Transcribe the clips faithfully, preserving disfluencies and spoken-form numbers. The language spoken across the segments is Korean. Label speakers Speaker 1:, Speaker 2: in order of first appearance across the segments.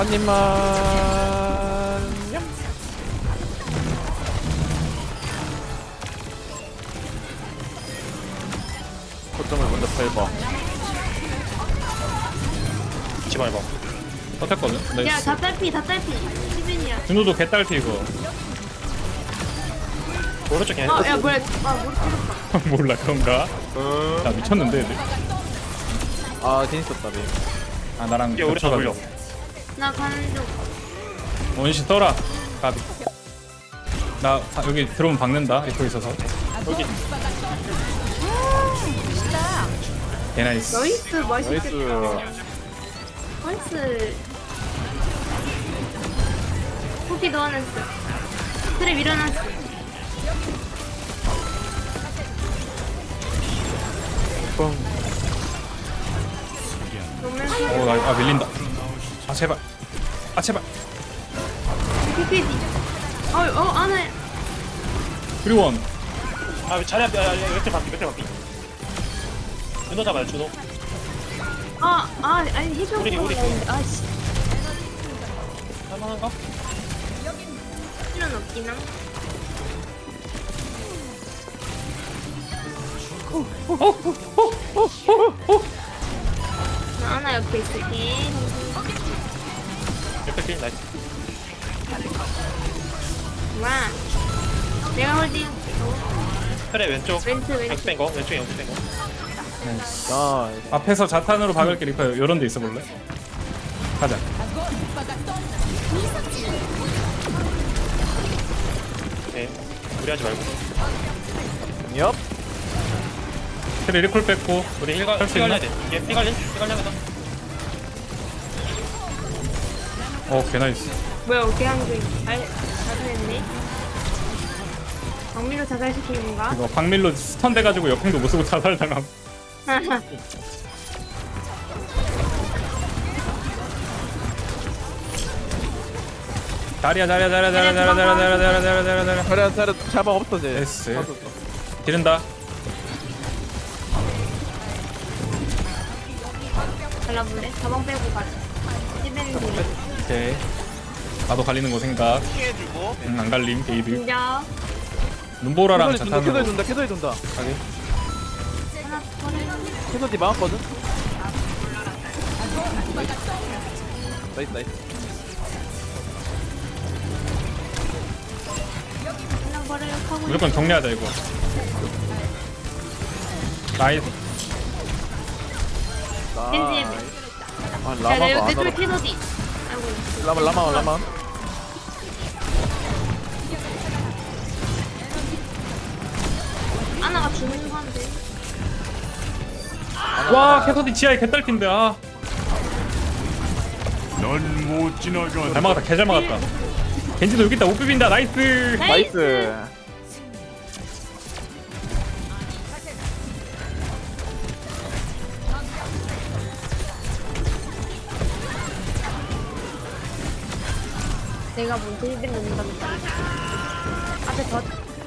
Speaker 1: 한 입만. 냠. 거점을 먼저 밟아.
Speaker 2: 같이 밟아.
Speaker 3: 버텼거든?
Speaker 4: 야,
Speaker 3: 나이스.
Speaker 4: 다 딸피, 다 딸피. 시빈이야.
Speaker 3: 준호도 개딸피 이거.
Speaker 2: 오른쪽 그냥
Speaker 4: 어, 야, 뭐야. 아, 뭘 찍었다.
Speaker 3: 몰라 그런가?
Speaker 1: 음.
Speaker 3: 나 미쳤는데 애들.
Speaker 1: 아 재밌었다 네.
Speaker 3: 아 나랑
Speaker 2: 이게 우리 다 돌려.
Speaker 3: 겹쳐가지고.
Speaker 4: 나 가는 중.
Speaker 3: 원시 떠라. 가비. 나 아, 여기 들어오면 박는다. 리포 있어서.
Speaker 2: 여기
Speaker 3: 개 나이스.
Speaker 4: 나이스, 맛있겠다.
Speaker 1: 나이스.
Speaker 4: 나이스. 쿠키 넣어놨어. 트랩 일어났어.
Speaker 1: 뻥.
Speaker 4: 놓으면서.
Speaker 3: 오, 나, 아 밀린다. 아 제발. 아 제발.
Speaker 4: 피피디. 어, 어, 안해.
Speaker 3: 그리원.
Speaker 2: 아 자리 앞에 야 몇대 바퀴 몇대 바퀴. 준호 잡아요 준호.
Speaker 4: 아, 아, 아니, 해줘.
Speaker 2: 우리, 우리.
Speaker 4: 아, 씨.
Speaker 2: 할만한가?
Speaker 4: 필요는 없긴 함. 나 하나 옆에 있을게.
Speaker 2: 몇대 킬 나이스.
Speaker 4: 와. 내가 홀딩.
Speaker 2: 그래 왼쪽.
Speaker 4: 왼쪽, 왼쪽.
Speaker 2: 연습된 거 왼쪽에 연습된 거.
Speaker 3: 나이스.
Speaker 1: 아
Speaker 3: 앞에서 자탄으로 박을게 리퍼. 요런 데 있어 볼래? 가자.
Speaker 2: 네. 무리하지 말고.
Speaker 1: 엽.
Speaker 3: 트레 리콜 뺐고.
Speaker 2: 우리 힐가
Speaker 3: 할수
Speaker 2: 힐
Speaker 3: 있나?
Speaker 2: 갈려야 돼. 얘 힐갈린 힐갈려야 돼.
Speaker 3: 어, 개 나이스.
Speaker 4: 뭐야, 어떻게 한 게. 아, 자수했네. 박민호 자살시키는 건가?
Speaker 3: 이거 박밀로 스턴 돼가지고 역행도 못 쓰고 자살당함. 자리야 자리야 자리야 자리야 자리야 자리야 자리야 자리야 자리야 자리야 자리야.
Speaker 1: 차려 차려 자방 없어 쟤.
Speaker 3: 됐어.
Speaker 1: 없었어.
Speaker 3: 지른다.
Speaker 4: 갈라볼래? 가방 빼고 가자. 시베는 데
Speaker 3: 오케이. 나도 갈리는 거 생각.
Speaker 2: 피해주고.
Speaker 3: 응, 안 갈림 게이드.
Speaker 4: 진짜.
Speaker 3: 눈보라랑
Speaker 1: 캐서디 준다 캐서디
Speaker 3: 자탄으로.
Speaker 1: 준다 캐서디 준다.
Speaker 3: 가게.
Speaker 4: 하나 버려.
Speaker 1: 캐서디 막았거든. 나이스 나이스.
Speaker 4: 하나 버려. 하고.
Speaker 3: 무조건 정리하자 이거. 나이스.
Speaker 4: 겐지.
Speaker 1: 아
Speaker 4: 야,
Speaker 1: 라마가
Speaker 4: 내,
Speaker 1: 안
Speaker 4: 내 쪽에
Speaker 1: 알아.
Speaker 4: 캐서디. 아이고.
Speaker 1: 라마 라마 라마.
Speaker 4: 하나가 주는 건데.
Speaker 3: 와 캐서디 지하에 개딸핀데 아.
Speaker 5: 넌 못 지나가.
Speaker 3: 잘 막았다 개 잘 막았다. 겐지도 여기 있다 못 비빈다 나이스.
Speaker 1: 나이스.
Speaker 4: 내가 먼저 힐빈 넣는답니다. 앞에 더.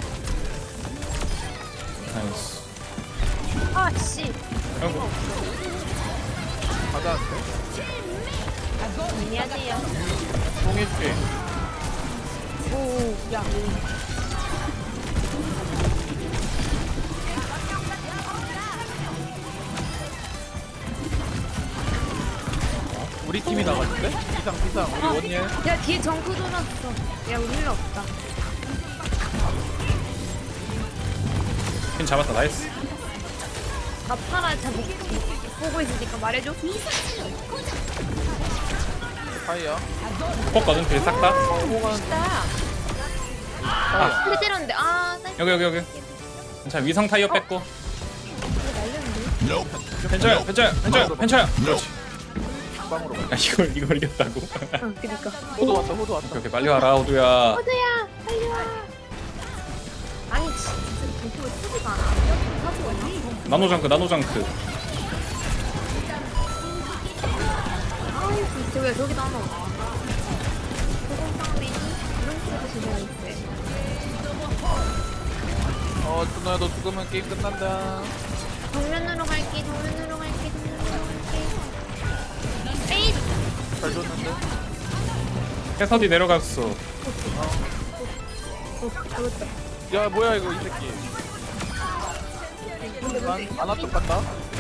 Speaker 3: 나이스.
Speaker 4: 아, 씨.
Speaker 3: 아이고.
Speaker 1: 가자.
Speaker 4: 안녕하세요.
Speaker 1: 통해줄게.
Speaker 4: 오, 야.
Speaker 1: 우리 팀이 나갔는데? 피상 피상 우리 원예.
Speaker 4: 야, 뒤에 정크 돌았어. 야, 우리 힐 없다.
Speaker 3: 퀸 잡았다 나이스.
Speaker 4: 아파라, 잘 못, 보고 있으니까 말해줘.
Speaker 1: 파이어.
Speaker 3: 뽑거든 그게 싹 다.
Speaker 1: 파이어.
Speaker 4: 근데 때렸는데, 아, 나
Speaker 3: 여기 여기 여기. 괜찮아 위성 타이어 뺐고.
Speaker 5: Nope.
Speaker 3: 괜찮아요 괜찮아요 괜찮아요 괜찮아요. 그렇지.
Speaker 1: 빵으로 가.
Speaker 3: 야 이걸 이걸 이겼다고.
Speaker 4: 어, 그니까.
Speaker 1: 호도 왔다 호도 왔다.
Speaker 3: 이렇게 빨리 와라 호두야.
Speaker 4: 호두야, 빨리 와. 아니, 진짜 정크가 쓰지가 않아. 하고 있나?
Speaker 3: 나노장크 나노장크.
Speaker 4: 아이, 진짜 왜 저기도 하나 없어? 소금빵맨이 이런 식으로 진행했대.
Speaker 1: 어 준호야 너 죽으면 게임 끝난다.
Speaker 4: 정면으로 갈게, 정면으로 갈게, 정면으로 갈게. 에잇!
Speaker 1: 잘 줬는데.
Speaker 3: 해서디 내려갔어.
Speaker 4: 어, 잡았다.
Speaker 1: 야 뭐야 이거 이 새끼. 난 아나 쪽 간다.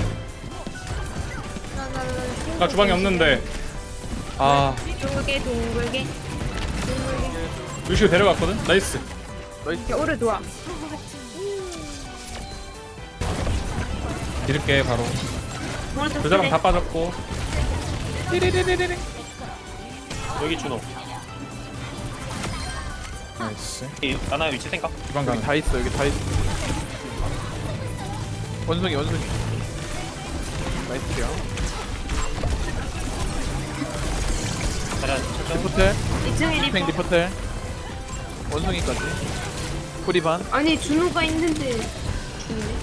Speaker 4: 나, 나, 나,
Speaker 3: 나 주방이 없는데. 아
Speaker 4: 둥글게, 둥글게. 둥글게.
Speaker 3: 루시오 데려갔거든. 나이스.
Speaker 4: 야, 오래 도와.
Speaker 3: 이렇게 바로.
Speaker 4: 오른쪽
Speaker 3: 그 사람
Speaker 4: 그래.
Speaker 3: 다 빠졌고. 띠리리리리리.
Speaker 2: 여기 준호.
Speaker 3: 나이스.
Speaker 2: 이 나나 위치 생각.
Speaker 3: 주방
Speaker 1: 여기
Speaker 3: 가는.
Speaker 1: 다 있어 여기 다 있어. 원숭이 원숭이. 나이스요.
Speaker 2: 자리야 철저히.
Speaker 1: 리포텔.
Speaker 4: 이 층에
Speaker 1: 팽
Speaker 4: 리퍼.
Speaker 1: 리포텔. 원숭이까지. 뿌리반.
Speaker 4: 아니, 준호가 있는데. 죽네.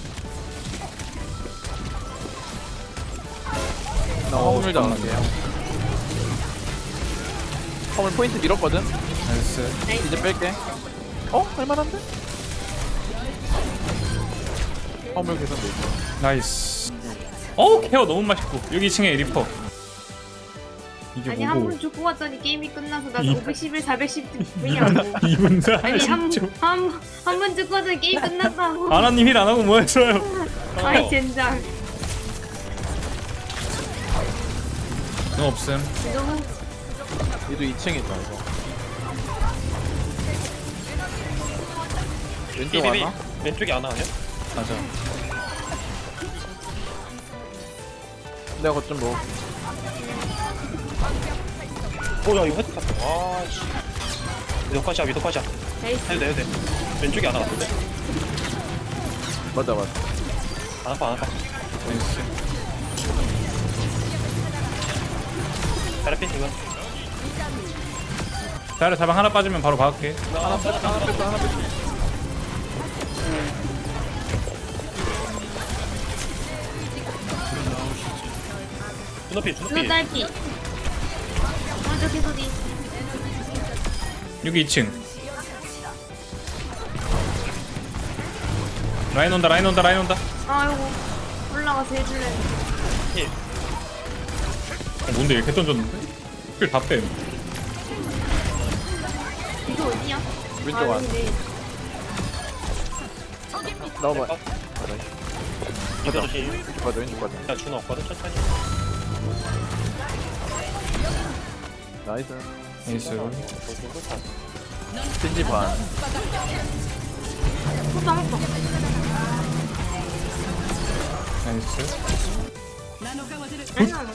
Speaker 1: 나 화물 잡을게요. 화물 포인트 밀었거든.
Speaker 3: 나이스.
Speaker 1: 이제 뺄게. 어? 할만한데? 화물 개선돼 있어.
Speaker 3: 나이스. 어 케어 너무 맛있고. 여기 이 층에 리퍼. 이게
Speaker 4: 아니, 한
Speaker 3: 뭐고?
Speaker 4: 번 죽고 왔더니 게임이 끝나서 나
Speaker 3: 이-
Speaker 4: 오백십일, 사백십 뭐냐고.
Speaker 3: 이분 다
Speaker 4: 아니, 한,
Speaker 3: 진짜.
Speaker 4: 한, 한 번 죽고 왔더니 게임 끝났다고.
Speaker 3: 아나님 힐 안 하고 뭐 했어요?
Speaker 4: 아이, 젠장.
Speaker 3: 너 없음.
Speaker 4: 이거는
Speaker 1: 얘도 이 층에 있다 이거. 왼쪽
Speaker 2: 비비비.
Speaker 1: 하나?
Speaker 2: 왼쪽이 안 하냐?
Speaker 3: 맞아.
Speaker 1: 내가 거점 뭐.
Speaker 2: 오야 이거 헤드 탔어. 아씨. 위도컷이야 위도컷이야.
Speaker 4: 나이스.
Speaker 2: 해도 돼 해도 돼. 왼쪽이 안 하는데.
Speaker 1: 맞아 맞아.
Speaker 2: 안 아파 안 아파.
Speaker 3: 나이스.
Speaker 2: 자리 핀 이거.
Speaker 3: 자를 자방 하나 빠지면 바로 박을게.
Speaker 1: 하나 뺐다 하나 뺐다 하나 뺐다.
Speaker 2: 준호피
Speaker 4: 준호
Speaker 2: 준호피.
Speaker 4: 딸피. 오른쪽 해소디.
Speaker 3: 여기 이 층. 라인 온다 라인 온다 라인 온다.
Speaker 4: 아이고. 올라가서 해줄래.
Speaker 2: 힐.
Speaker 3: 어, 뭔데 이렇게 던졌는데? 힐다 빼.
Speaker 4: 이거 어디야?
Speaker 1: 왼쪽
Speaker 4: 아,
Speaker 1: 안.
Speaker 4: 여기네.
Speaker 1: 나와봐.
Speaker 2: 맞아. 이거 조심.
Speaker 1: 왼쪽 가자 왼쪽 가자.
Speaker 2: 야 준호 없거든 천천히.
Speaker 1: 나이스.
Speaker 3: 나이스.
Speaker 1: 겐지 반.
Speaker 4: 호빵 호빵.
Speaker 3: 나이스.
Speaker 4: 아니야.